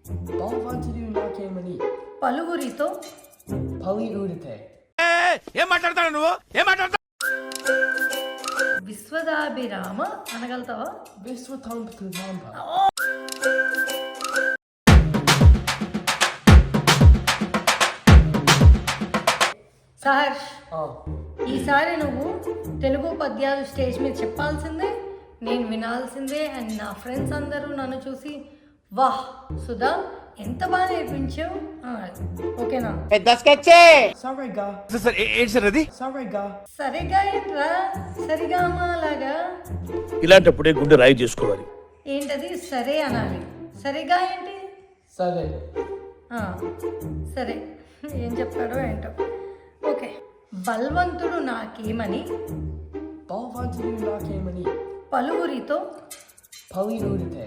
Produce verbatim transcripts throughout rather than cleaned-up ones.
బలవంతుడు నాకేమని పలువురితో పలి ఊడితే ఏం మాట్లాడతాడు నువ్వు ఏం మాట్లాడతావు? విశ్వదాభిరామ అనగలుగుతావా? విశ్వతాంబ సహర్ష్, ఈసారి నువ్వు తెలుగు పద్యాలు స్టేజ్ మీద చెప్పాల్సిందే, నేను వినాల్సిందే. అండ్ నా ఫ్రెండ్స్ అందరూ నన్ను చూసి వాహ్ సుధా ఎంత బాగా నేర్పించావు, ఓకేనా? సరేగా ఏంటి సార్ అది? సరేగా సరిగా ఏంట్రా, సరిగా అలాగా ఇలాంటప్పుడే గుండె రాయి చేసుకోవాలి. ఏంటది? సరే అనాలి. సరిగా ఏంటి? సరే ఆ, సరే ఏం చెప్పాడో ఏంటో. ఓకే. బల్వంతుడు నాకేమని బలవంతుడు నాకేమని పలువురితో పలి ఊడితే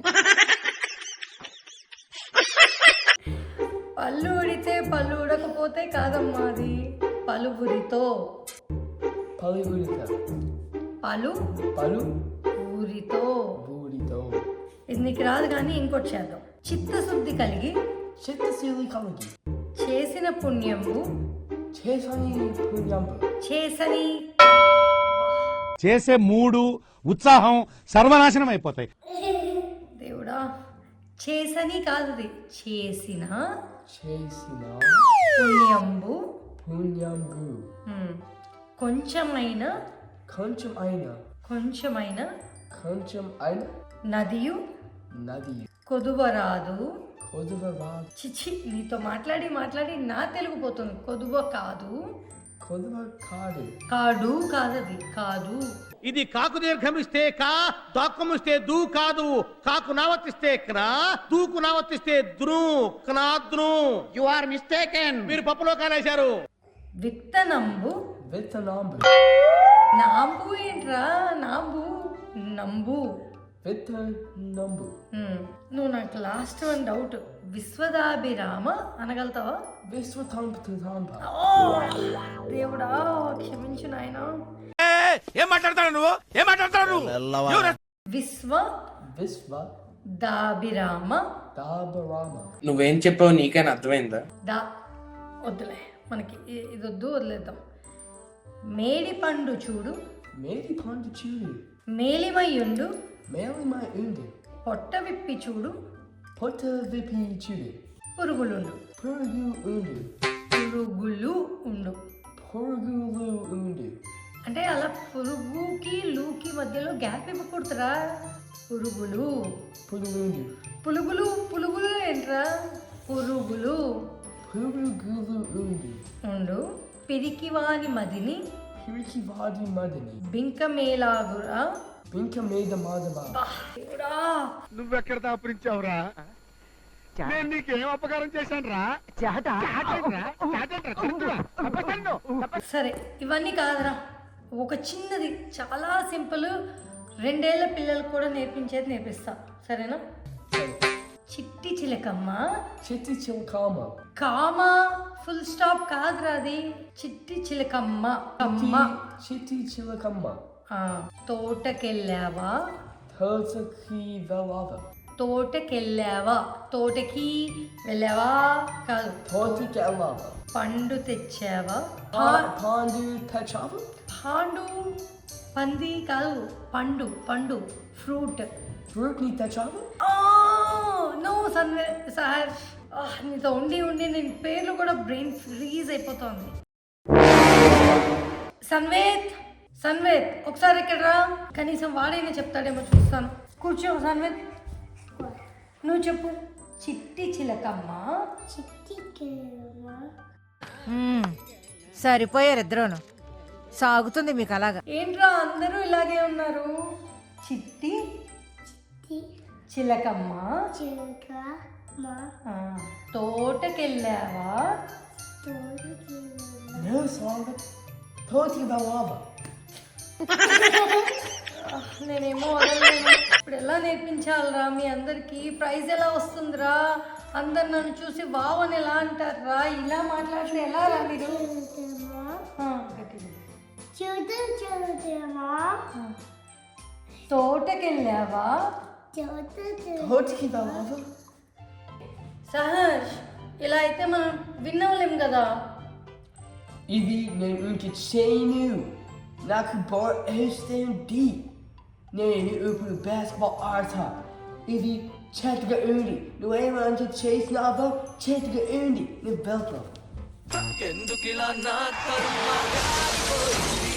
పళ్ళు ఊడితే పళ్ళు ఊడకపోతే కాదమ్మా, అది పలువురితో. పలి ఊడితే పలు పలు ఊరితో. ఊడితో ఇది నీకు రాదు కానీ ఇంకోటి చేద్దాం. చిత్తశుద్ధి కలిగి చిత్తశీలి కలిగి చేసిన పుణ్యంబు చేసని పుణ్యంబు చేసని చేసే మూడు ఉత్సాహం సర్వనాశనం అయిపోతాయి. దేవుడా, చేసని కాదు, అది చేసిన చేసిన పుణ్యంబు పుణ్యంబు ఉమ్, కొంచెమైన కొంచెం అయిన కొంచెమైన కొంచెం అయిన నదియు నది కొదువరాదు. కొదువ రాదు చిచి, నీతో మాట్లాడి మాట్లాడి నా తెలుగు పోతుంది. కొదువ కాదు, కొదువ కాదు కాడు కాదది కాదు. ఇది కాకు దీర్ఘమిస్తే కా, దాక్కుమిస్తే దూ కాదు. కాకు నావర్తిస్తే క్నా, దూకు నావర్తిస్తే ద్రు, క్నాద్రు. You are mistaken. మీరు పప్పులో కానేశారు. విత్తనంబు విత్తనాంబు నాంబు ఏంట్రా, నాంబు నంబు. విత్తనంబు ఉమ్, నువ్వు నాకు లాస్ట్ వన్ డౌట్. విశ్వదాభిరామ అనగలుగుతావా? విశ్వతాంబ ఓ దేవుడా, క్షమించు నాయనా. ఏం మాట్లాడతాడు నువ్వు ఏం మాట్లాడతాడు నువ్వు? విశ్వ విశ్వ దాభిరామ దాబరామ నువ్వేం చెప్పావు నీకైనా అర్థమైందా? దా వద్దులే, మనకి ఇ- ఇది వద్దు, వదిలేద్దాం. మేడి పండు చూడు మేడి పండు చూడు మేలిమయ్యుండు మేలిమై ఉంది పొట్ట విప్పి చూడు పొట్ట విప్పి చూడు పురుగులుండు. పురుగు ఉంది పురుగులు ఉండు పురుగులు ఉంది అంటే అలా పురుగుకి లూకి మధ్యలో గ్యాప్ ఇవ్వకూడదురా. పురుగులు పురుగు ఉంది పులుగులు పులుగులు ఏంట్రా, పురుగులు పురుగులు ఉంది ఉండు. పిరికివాని మదిని పిరికి వాడి మదిని బింకమేలాగురా. బింక మీద మాధవ దేవుడా, నువ్వెక్కడ దాపురించావురా? నేను నీకేం అపకారం చేశాను రా? సరే ఇవన్నీ కాదురా, ఒక చిన్నది చాలా సింపుల్, రెండేళ్ల పిల్లలకు కూడా నేర్పించేది నేర్పిస్తా, సరేనా? చిట్టి చిలకమ్మ చిట్టి చిలకమ్మ కామ ఫుల్ స్టాప్ కాదురా, అది చిట్టి చిలకమ్మ అమ్మ. చిట్టి చిలకమ్మ ఆ, తోటకెళ్ళావా తోటకి వెళ్ళావా తోటకెళ్ళావా తోటకి వెళ్ళావా కాదు, తోటకి వెళ్ళావా పండు తెచ్చావా పండు తెచ్చావా పాండు పంది కాదు, పండు పండు ఫ్రూట్. ఫ్రూట్ ని తెచ్చావా నో సన్వే సార్, నీతో ఉండి ఉండి నేను పేర్లు కూడా బ్రెయిన్ ఫ్రీజ్ అయిపోతుంది. సన్వేత్ సన్వేత్ ఒకసారి ఇక్కడ రా, కనీసం వాడైనా చెప్తాడేమో చూస్తాను. కూర్చో సన్వేత్, నువ్వు చెప్పు. చిట్టి చిలకమ్మ సరిపోయారు ఇద్దరును, సాగుతుంది మీకు అలాగా. ఏంట్రా అందరూ ఇలాగే ఉన్నారు? చిట్టి చిలకమ్మ ఆ, తోటకెళ్ళావా తోటకి వెళ్ళావా నేనేమో వదలలేను. ఇప్పుడు ఎలా నేర్పించాలరా మీ అందరికి? ప్రైజ్ ఎలా వస్తుందిరా? అందరు నన్ను చూసి వావ్ అని ఎలా అంటారా? ఇలా మాట్లాడితే ఎలా రా మీరు? ఆ, గట్టిగా. ఆ. తోటకెళ్ళావా తోటకి వెళ్ళావా సహర్ష్ ఇలా అయితే మనం విన్ అవ్వలేం కదా. ఇది నేను ఇంక చేయను. నాకు బాల్ వేస్తుంది. నేను ఇప్పుడు బాస్కెట్బాల్ ఆడతా. ఇది చేతిగా ఉంది. నువ్వేమంటే చేసినావో చేతిగా ఉంది. నేను వెళ్తాను. ఎందుకిలా నా కర్మ